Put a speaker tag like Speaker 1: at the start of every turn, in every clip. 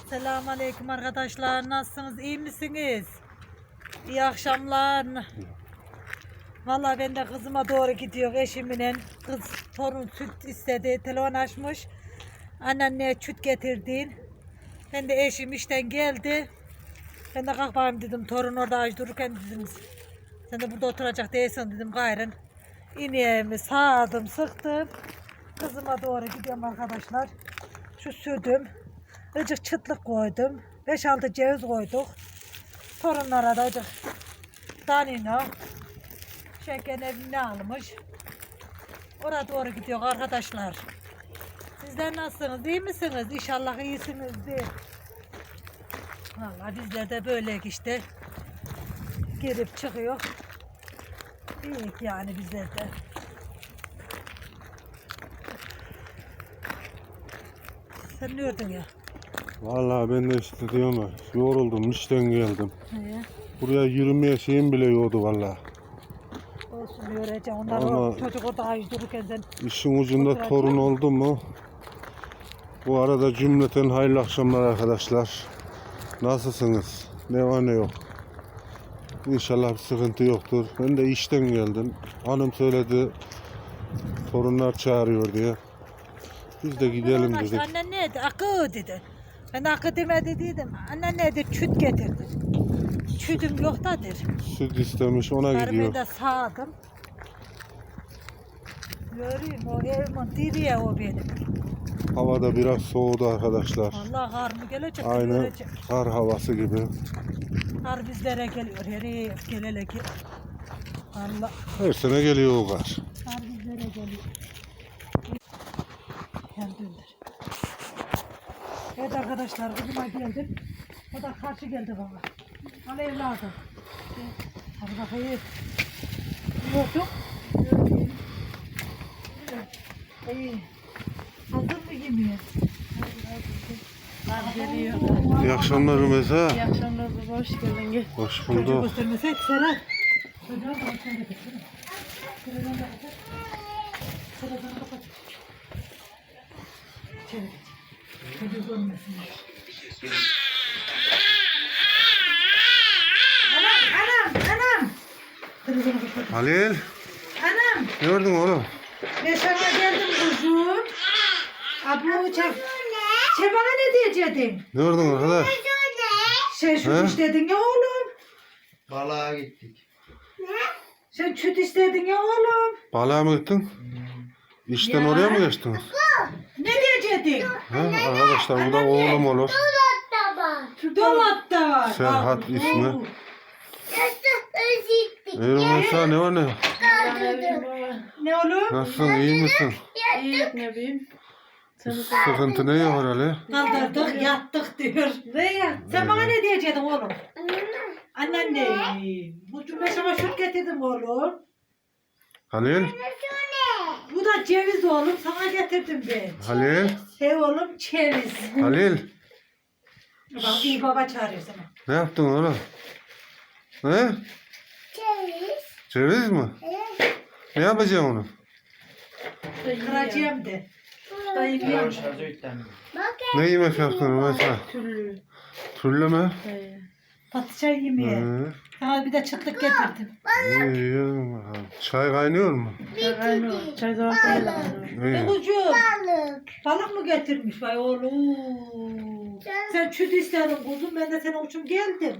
Speaker 1: Selamünaleyküm arkadaşlar. Nasılsınız? İyi misiniz? İyi akşamlar. Vallahi ben de kızıma doğru gidiyor eşimle. Kız torun süt istedi. Telefon açmış. Anneanneye süt getirdin. Ben de eşim işten geldi. Ben de kalk bakayım dedim. Torun orada aç dururken dedim. Sen de burada oturacak değilsin dedim gayrın. İneğimi sağdım, sıktım. Kızıma doğru gidiyorum arkadaşlar. Şu sütüm. Azıcık çıtlık koydum. 5-6 ceviz koyduk. Torunlara da azıcık danino. Şeker evine almış. Oraya doğru gidiyor arkadaşlar. Sizler nasılsınız? İyi misiniz? İnşallah iyisinizdir. Vallahi bizler de böyle işte. Girip çıkıyor. İyi yani bizler de. Sen ne ördün ya?
Speaker 2: Vallahi ben de işte diyorum ya, yoruldum, işten geldim.
Speaker 1: He.
Speaker 2: Buraya yürümeye şeyim bile yoktu vallahi.
Speaker 1: Olsun öğreteceğim. Onlar
Speaker 2: Ama
Speaker 1: o çocuk orada ayı dururken sen
Speaker 2: İşin ucunda
Speaker 1: oturacak.
Speaker 2: torun oldu mu? Bu arada cümleten hayırlı akşamlar arkadaşlar. Nasılsınız? Ne var ne yok. İnşallah bir sıkıntı yoktur. Ben de işten geldim. Hanım söyledi, torunlar çağırıyor diye. Biz de gidelim
Speaker 1: Ondan
Speaker 2: dedik.
Speaker 1: Annen neydi? Akı dedi. Ben akı demedi dedim. Annen neydi? Çüt getirdi. Çütüm yok da der.
Speaker 2: Süt istemiş, ona
Speaker 1: Karımı
Speaker 2: gidiyor.
Speaker 1: da sağdım. Göreyim o evimin diriye o benim.
Speaker 2: Havada biraz soğudu arkadaşlar.
Speaker 1: Allah kar mı gelecek?
Speaker 2: Aynı
Speaker 1: Görecek.
Speaker 2: kar havası gibi.
Speaker 1: Kar bizlere geliyor. Herif gelele ki. Allah
Speaker 2: Her sene geliyor o kar.
Speaker 1: kar bizlere geliyor. Kendimdir. Evet arkadaşlar kızıma geldim. O da karşı geldi bana. Al evladım. Hadi bakayım. Yiyorduk. İyi. Hazır mı yemeğe? Geliyor.
Speaker 2: İyi akşamlar Rümeysa.
Speaker 3: İyi akşamlar baba, hoş geldin. Gel.
Speaker 2: Hoş
Speaker 1: Çocuk
Speaker 2: bulduk.
Speaker 1: göstermeseydi Serhat. Çocuğa da bakayım. Televizyonu da kapat. Televizyonu kapat. İçeri geç. Çocuğu görmesinler. Anam. Televizyonu kapat.
Speaker 2: Halil,
Speaker 1: Anam.
Speaker 2: ne gördün oğlum?
Speaker 1: Ben sana geldim kuzum. Abu çek. Sen bana ne diyecektin?
Speaker 2: Ne gördün arkadaş?
Speaker 1: Sen süt
Speaker 2: He?
Speaker 1: istedin ya oğlum.
Speaker 4: Balığa gittik.
Speaker 1: Sen süt istedin ya oğlum.
Speaker 2: Balığa mı gittin? İşten
Speaker 1: Ya.
Speaker 2: oraya mı geçtiniz?
Speaker 1: Ne diyecektin?
Speaker 2: Ha, arkadaşlar bu da oğlum olur.
Speaker 1: Dolapta var.
Speaker 2: Serhat
Speaker 1: Bak,
Speaker 2: ismi.
Speaker 1: oo.
Speaker 2: Rümeysa ne var ne?
Speaker 1: Ne olur?
Speaker 2: Nasılsın, iyi misin?
Speaker 3: İyi, ne bileyim.
Speaker 2: Sıkıntı ne yok Ali?
Speaker 1: Kaldırdık yattık diyor. Ne ya? Sen bana ne diyecektin oğlum? Annen ne? Bu cümle sana süt getirdim oğlum.
Speaker 2: Halil,
Speaker 1: Bu da ceviz oğlum sana getirdim ben.
Speaker 2: Halil,
Speaker 1: He oğlum ceviz.
Speaker 2: Halil.
Speaker 1: Bak iyi baba çağırıyor sana.
Speaker 2: Ne yaptın oğlum? Ne? Ceviz mi? Ne yapacaksın onu?
Speaker 1: Kıracağım de. Dayım yiyor.
Speaker 2: Ne yemek yaptın Rümeysa?
Speaker 3: Türlü.
Speaker 2: Türlü mü?
Speaker 1: Patlıcan yemeği.
Speaker 2: Hı.
Speaker 1: Sana bir de çıtlık getirdim.
Speaker 2: İyi, yiyorum bakalım. Çay kaynıyor mu?
Speaker 3: Aynı. Çay zaman koyalım.
Speaker 1: Ne
Speaker 2: İyi.
Speaker 1: kucuğum? Balık mı getirmiş vay oğlum? Sen süt istedin kuzum ben de senin için geldim.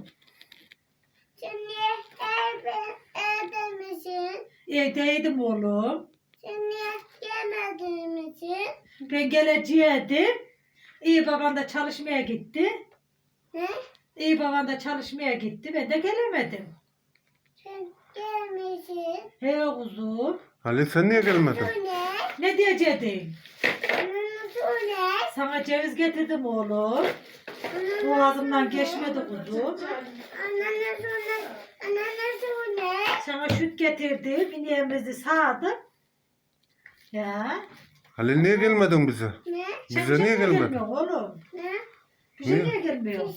Speaker 1: Evdeydim oğlum. Ben geleceğim. İyi baban da çalışmaya gitti. İyi baban da çalışmaya gitti. Ben de gelemedim. He kuzum.
Speaker 2: Halil sen niye gelmedin?
Speaker 1: Ne diyecektin? Sana ceviz getirdim oğlum. Boğazımdan geçmedi kuzum. Sana süt getirdim. İneğimizi sağdım. Ya.
Speaker 2: Halil niye gelmedin bize?
Speaker 1: Sen
Speaker 2: Bize niye gelmedin?
Speaker 1: gelmiyorsun oğlum? Bize
Speaker 2: Niye?
Speaker 1: niye gelmiyor?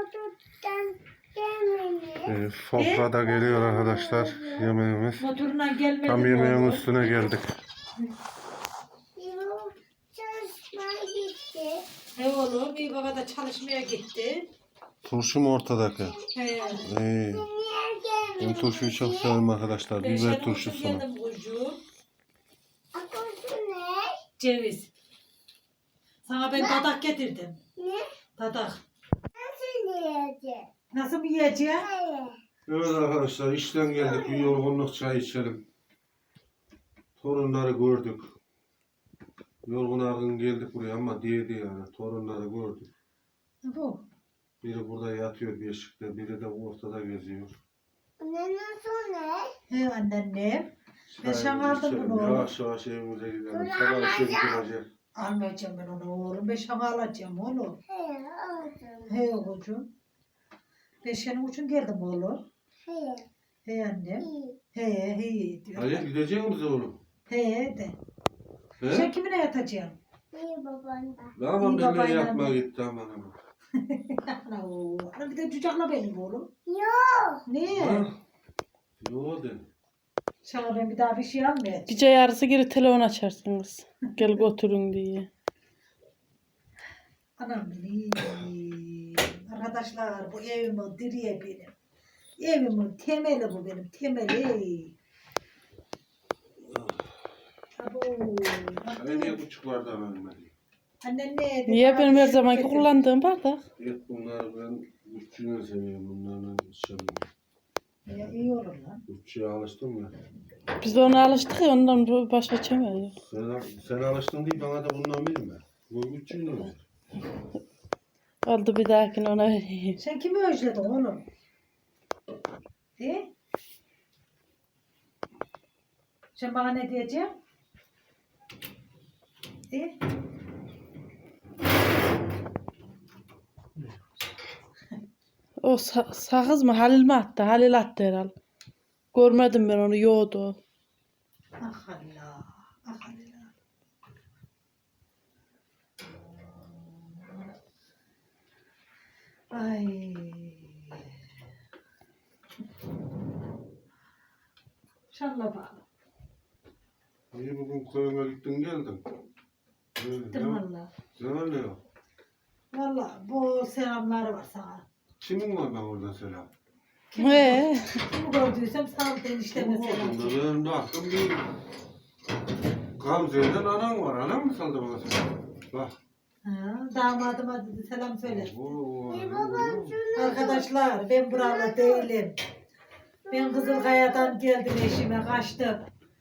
Speaker 2: Sofrada geliyor arkadaşlar yemeğimiz.
Speaker 1: Motorundan gelmedi
Speaker 2: Tam
Speaker 1: mi
Speaker 2: yemeğin
Speaker 1: oğlum?
Speaker 2: üstüne geldik.
Speaker 1: He oğlum. oğlum. Bir baba da çalışmaya gitti.
Speaker 2: Turşu mu ortadaki?
Speaker 1: He.
Speaker 2: İyi. Ben turşuyu çok severim arkadaşlar.
Speaker 1: Ben
Speaker 2: Biber
Speaker 1: senin için
Speaker 2: turşusunu.
Speaker 1: geldim kucuğum. Ceviz. Sana ben dadak getirdim.
Speaker 5: Ne?
Speaker 1: Dadak.
Speaker 5: Nasıl yiyeceğim?
Speaker 1: Nasıl mı yiyeceğim?
Speaker 5: Hayır.
Speaker 2: Evet arkadaşlar işten geldik. Bir yorgunluk çay içelim. Torunları gördük. Yorgun argın geldik buraya ama değdi yani. Torunları gördük.
Speaker 1: Bu.
Speaker 2: Biri burada yatıyor beşikte, biri de ortada geziyor.
Speaker 5: Ne nasıl ne?
Speaker 1: He anneannem. Ben
Speaker 2: Çayımızı
Speaker 1: şan aldım
Speaker 2: içelim.
Speaker 1: bunu oğlum.
Speaker 2: Yavaş yavaş evimize gidelim. Sabah işe gidecek.
Speaker 1: Almayacağım ben onu oğlum. Ben şan alacağım oğlum.
Speaker 5: Hayır aldım.
Speaker 1: He oğlum. Ben senin için geldim oğlum.
Speaker 5: Hayır.
Speaker 1: He annem.
Speaker 5: İyi.
Speaker 1: He diyor.
Speaker 2: Hayır gidecek misin oğlum?
Speaker 1: He de.
Speaker 2: He?
Speaker 1: Sen kimine yatacaksın?
Speaker 5: İyi baban da.
Speaker 2: Ne yapalım
Speaker 1: İyi
Speaker 2: benimle
Speaker 1: babayla
Speaker 2: yatma
Speaker 1: mı?
Speaker 2: gitti aman aman.
Speaker 1: Ana o. Ana bir de cucakla benim oğlum.
Speaker 5: Yok.
Speaker 1: Niye?
Speaker 2: Ha? Yo de.
Speaker 1: Sana ben bir daha bir şey almayacağım.
Speaker 3: Gece yarısı geri telefon açarsınız. Gel götürün diye.
Speaker 1: Anam benim. Arkadaşlar bu evimin direği benim. Evimin temeli bu benim temeli. Abo.
Speaker 2: Hani niye buçuklardan ölmedi?
Speaker 1: Annen ne?
Speaker 3: Niye benim her zamanki kullandığım bardak?
Speaker 2: Evet bunlar ben uççuyu seviyorum. Bunlarla içemiyorum.
Speaker 1: Ya, iyi olur lan.
Speaker 2: Uççuya alıştım ya.
Speaker 3: Biz de ona alıştık ya ondan başka içemiyoruz.
Speaker 2: Sen alıştın değil bana da bundan bilme. Bu uççuyu ne ver?
Speaker 3: Oldu bir dahakine ona vereyim.
Speaker 1: Sen kimi özledin oğlum? De? Sen bana ne diyeceksin? De?
Speaker 3: O sakız mı? Halil mi attı? Halil attı herhalde. Görmedim ben onu yoğdu. o.
Speaker 1: Ah Allah. Ah Allah. Ay. İnşallah bağlı.
Speaker 2: İyi bugün koyuna gittin geldin.
Speaker 1: Gittim valla.
Speaker 2: Ne var ne yok?
Speaker 1: Valla bu selamlar var sana.
Speaker 2: Kimin var ben orada selam?
Speaker 3: He.
Speaker 1: Kimi gördüysem sağ ol enişteme selam.
Speaker 2: Ben baktım bir Gamze'den anan var. Anan mı saldı bana selam? Bak.
Speaker 1: Ha, damadıma dedi selam söyle.
Speaker 2: Oo,
Speaker 5: İyi baban şunu.
Speaker 1: Arkadaşlar ben buralı değilim. Ben Kızılkaya'dan geldim eşime kaçtım.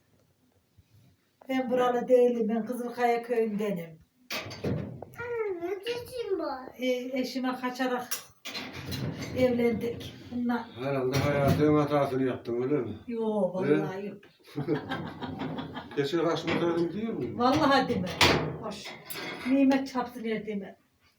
Speaker 1: Ben buralı değilim. Ben Kızılkaya köyündenim.
Speaker 5: Ne çeşin var?
Speaker 1: Eşime kaçarak evlendik. Bunlar
Speaker 2: Herhalde hayatın hatasını yaptın öyle mi?
Speaker 1: yok vallahi yok.
Speaker 2: Geçen kaçmadaydım diyor muyum?
Speaker 1: Vallahi deme. Hoş. Nimet çapsın deme.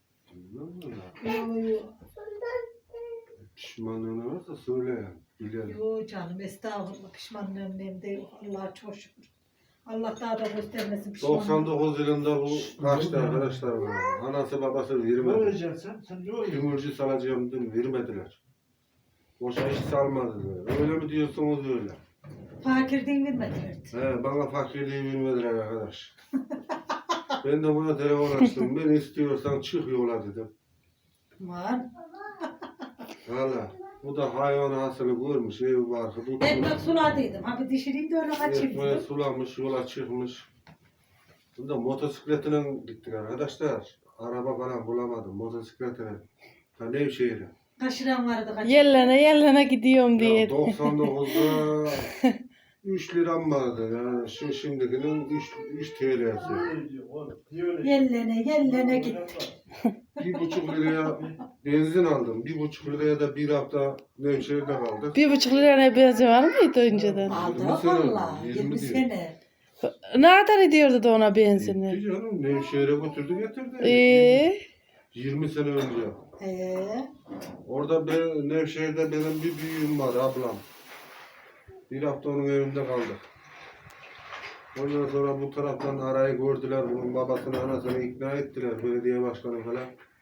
Speaker 1: Yok yok.
Speaker 2: Pişmanlığını varsa söyle yani. Bilelim.
Speaker 1: Yok canım estağfurullah pişmanlığım benim de yok. Allah'a çok şükür. Allah daha da göstermesin pişmanlığım.
Speaker 2: 99 yılında bu kaçtı arkadaşlar bana. Anası babası
Speaker 4: Ne
Speaker 2: vermedi.
Speaker 4: öğreceksin sen? Sen ne öğreceksin?
Speaker 2: Gümürcü salacağım dedim vermediler. Boşa iş salmadılar. Öyle mi diyorsunuz öyle?
Speaker 1: Fakirliğin vermediler.
Speaker 2: He, bana fakirliği vermediler arkadaş. Ben de buna telefon açtım. Ben istiyorsan çık yola dedim.
Speaker 1: Var.
Speaker 2: Valla. Bu da hayvan hasılı görmüş. Evi barkı tutmuş.
Speaker 1: Ekmek suladıydım. Abi dişireyim de öyle kaçayım
Speaker 2: Ekmeği
Speaker 1: dedim.
Speaker 2: sulamış, yola çıkmış. Bunda motosikletine gittik arkadaşlar. Araba falan bulamadım. Motosikletine. Ha Nevşehir'e.
Speaker 1: Kaşıran vardı kaçayım.
Speaker 3: Yellene gidiyorum diye.
Speaker 2: Ya 99'da 3 liram vardı. Yani şimdikinin 3 TL'si.
Speaker 4: Ne diyor oğlum? Niye öyle?
Speaker 1: Yellene gitti.
Speaker 2: 1,5 liraya benzin aldım. 1,5 liraya da bir hafta Nevşehir'de kaldık.
Speaker 3: 1,5 liraya benzin var mıydı önceden?
Speaker 1: Aldı
Speaker 2: 20 sene oldu,
Speaker 1: valla.
Speaker 2: 20
Speaker 1: 20
Speaker 2: diyor.
Speaker 1: sene.
Speaker 3: Ne kadar ediyordu da ona
Speaker 2: Gitti
Speaker 3: benzini?
Speaker 2: canım. Nevşehir'e götürdü getirdi.
Speaker 3: 20
Speaker 2: sene önce. Orada Nevşehir'de benim bir büyüğüm var ablam. Bir hafta onun evinde kaldık. Ondan sonra bu taraftan arayı gördüler. Bunun babasını anasını ikna ettiler. Belediye başkanı falan.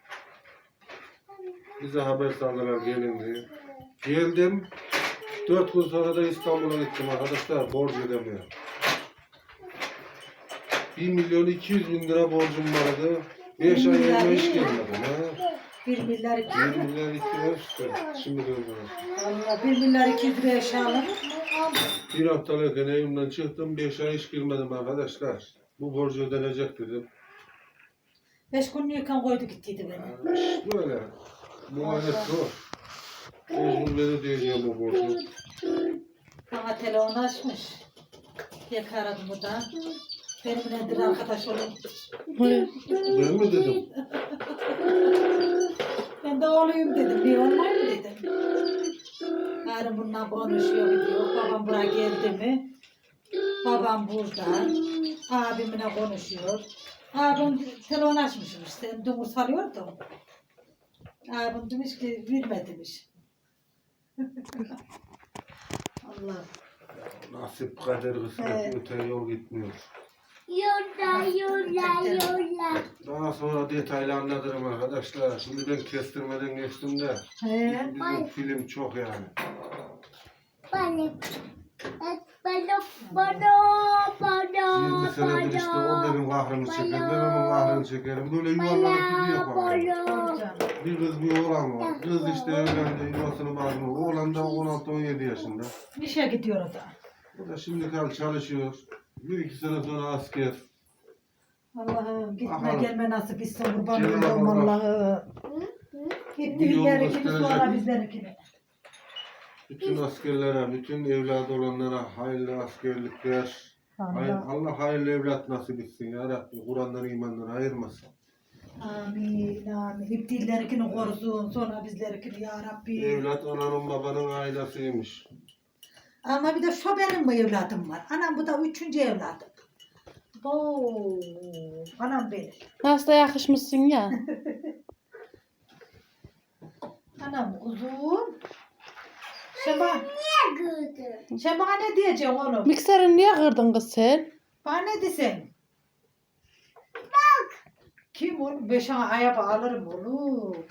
Speaker 2: Bize haber saldılar gelin diye. Geldim. 4 gün sonra da İstanbul'a gittim arkadaşlar. Borç ödemeye. 1.200.000 lira borcum vardı. 5 ay evime hiç gelmedim ha.
Speaker 1: 1 milyar 200
Speaker 2: 1
Speaker 1: lira.
Speaker 2: milyar 200 işte. Şimdi gördüm.
Speaker 1: Valla 1 milyar 200 liraya eşya alır mı? Aldım.
Speaker 2: Bir haftalıkken evimden çıktım. 5 ay hiç girmedim arkadaşlar. Bu borcu ödenecek dedim.
Speaker 1: 5 günlüyken koydu gittiydi beni.
Speaker 2: İş böyle. Muhalefet zor. Mecbur beni ödeyeceğim bu borcu.
Speaker 1: Bana telefon açmış. Yak aradım o da. Benimle nedir arkadaş olun.
Speaker 2: Ben mi dedim?
Speaker 1: Ben de oğluyum dedim. Bir olmay mı dedim. Yarın bununla konuşuyor diyor. Babam buraya geldi mi? Babam burada. Abimle konuşuyor. Abim telefon açmışım işte. Dumur salıyordu. Abim demiş ki verme demiş. Allah.
Speaker 2: Nasip kader kısmet
Speaker 1: Evet.
Speaker 2: öte yol gitmiyor.
Speaker 5: Yolla yolla yolla.
Speaker 2: Daha sonra detaylı anlatırım arkadaşlar. Şimdi ben kestirmeden geçtim de.
Speaker 1: He.
Speaker 2: Bizim film çok yani.
Speaker 5: Balık. Balık.
Speaker 2: 20 senedir işte o benim kahrımı çeker. Ben onun kahrını çekerim. Böyle yuvarlanıp gidiyor bana. Bir kız bir oğlan var. Kız işte evlendi, yuvasını bağlı. Oğlan da 16-17 yaşında.
Speaker 1: İşe gidiyor o da.
Speaker 2: O da şimdi kal çalışıyor. 1-2 sene sonra asker.
Speaker 1: Allah'ım gitme
Speaker 2: Bakalım.
Speaker 1: gelme nasip etsin kurban
Speaker 2: Cenab-ı
Speaker 1: olayım
Speaker 2: Allah.
Speaker 1: Allah'ım.
Speaker 2: Bir
Speaker 1: Gitti
Speaker 2: yol
Speaker 1: ilerikini
Speaker 2: gösterecek.
Speaker 1: sonra bizlerikini.
Speaker 2: Bütün askerlere, bütün evladı olanlara hayırlı askerlikler.
Speaker 1: Allah.
Speaker 2: Allah hayırlı evlat nasip etsin ya Rabbi. Kur'an'dan imandan ayırmasın.
Speaker 1: Amin amin. İptillerikini korusun sonra bizlerikini ya Rabbi.
Speaker 2: Evlat ananın babanın ailesiymiş.
Speaker 1: Ama bir de şu benim mi evladım var. Anam bu da 3. evladım. Oo, anam benim.
Speaker 3: Nasıl da yakışmışsın ya.
Speaker 1: Anam uzun. Şema,
Speaker 5: Ne gördün?
Speaker 1: Şema ne diyeceksin oğlum?
Speaker 3: Mikserini niye kırdın kız sen?
Speaker 1: Bana ne desen? Bak. Kim oğlum? Ben sana aya alırım oğlum.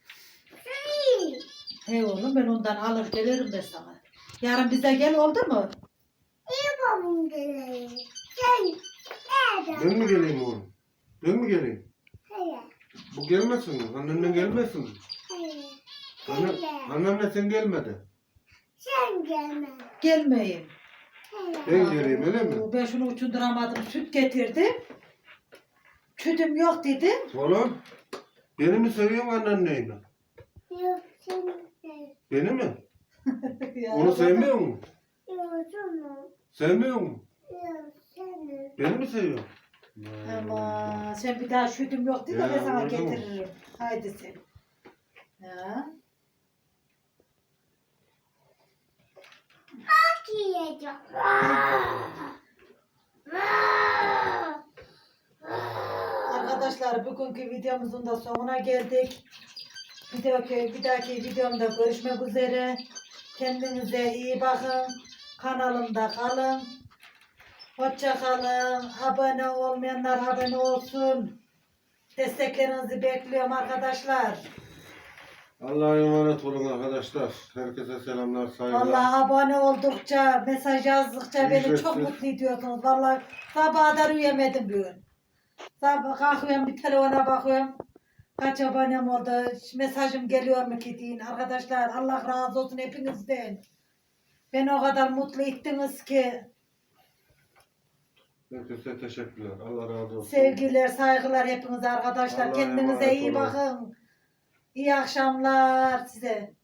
Speaker 1: Hey oğlum ben ondan alır gelirim ben sana. Yarın bize gel oldu mu?
Speaker 5: Babam geliyor. Sen nerede?
Speaker 2: Ben mi geleyim oğlum? Ben mi geleyim?
Speaker 5: Hayır.
Speaker 2: Bu gelmesin mi? Annenle gelmesin mi?
Speaker 5: Hayır.
Speaker 2: Anne, annenle sen gelmedi.
Speaker 5: Sen gelme.
Speaker 1: Gelmeyin.
Speaker 5: Hayır.
Speaker 2: Ben geleyim öyle mi?
Speaker 1: Ben şunu uçunduramadım. Süt getirdim. Sütüm yok dedim.
Speaker 2: Oğlum, beni mi seviyorsun annenleyi mi?
Speaker 5: Yok sen de.
Speaker 2: Beni mi?
Speaker 1: Ya
Speaker 2: Onu sevmiyor musun?
Speaker 5: Yok canım.
Speaker 2: Sevmiyor musun?
Speaker 5: Yok seni.
Speaker 2: Beni mi seviyorsun?
Speaker 1: Ama sen bir daha sütüm yok dedi de
Speaker 2: Ya,
Speaker 1: ben sana
Speaker 2: öyle mi?
Speaker 1: getiririm. Haydi sen. Ya.
Speaker 5: Bak yiyeceğim.
Speaker 1: Arkadaşlar bugünkü videomuzun da sonuna geldik. Bir dahaki videomda görüşmek üzere. Kendinize iyi bakın. Kanalımda kalın. Hoşça kalın. Abone olmayanlar abone olsun. Desteklerinizi bekliyorum arkadaşlar.
Speaker 2: Allah'a emanet olun arkadaşlar. Herkese selamlar, saygılar.
Speaker 1: Vallahi abone oldukça, mesaj yazdıkça beni
Speaker 2: Ücretsiz.
Speaker 1: çok mutlu ediyorsunuz. Vallahi sabaha da uyuyamadım bugün. Sabah kalkıyorum bir telefona bakıyorum. Kaç abonem oldu, mesajım geliyor mu ki deyin. Arkadaşlar Allah razı olsun hepinizden. Beni o kadar mutlu ettiniz ki.
Speaker 2: Herkese teşekkürler. Allah razı olsun.
Speaker 1: Sevgiler, saygılar hepinize arkadaşlar.
Speaker 2: Allah'a
Speaker 1: Kendinize
Speaker 2: emanet
Speaker 1: iyi
Speaker 2: olun.
Speaker 1: bakın. İyi akşamlar size.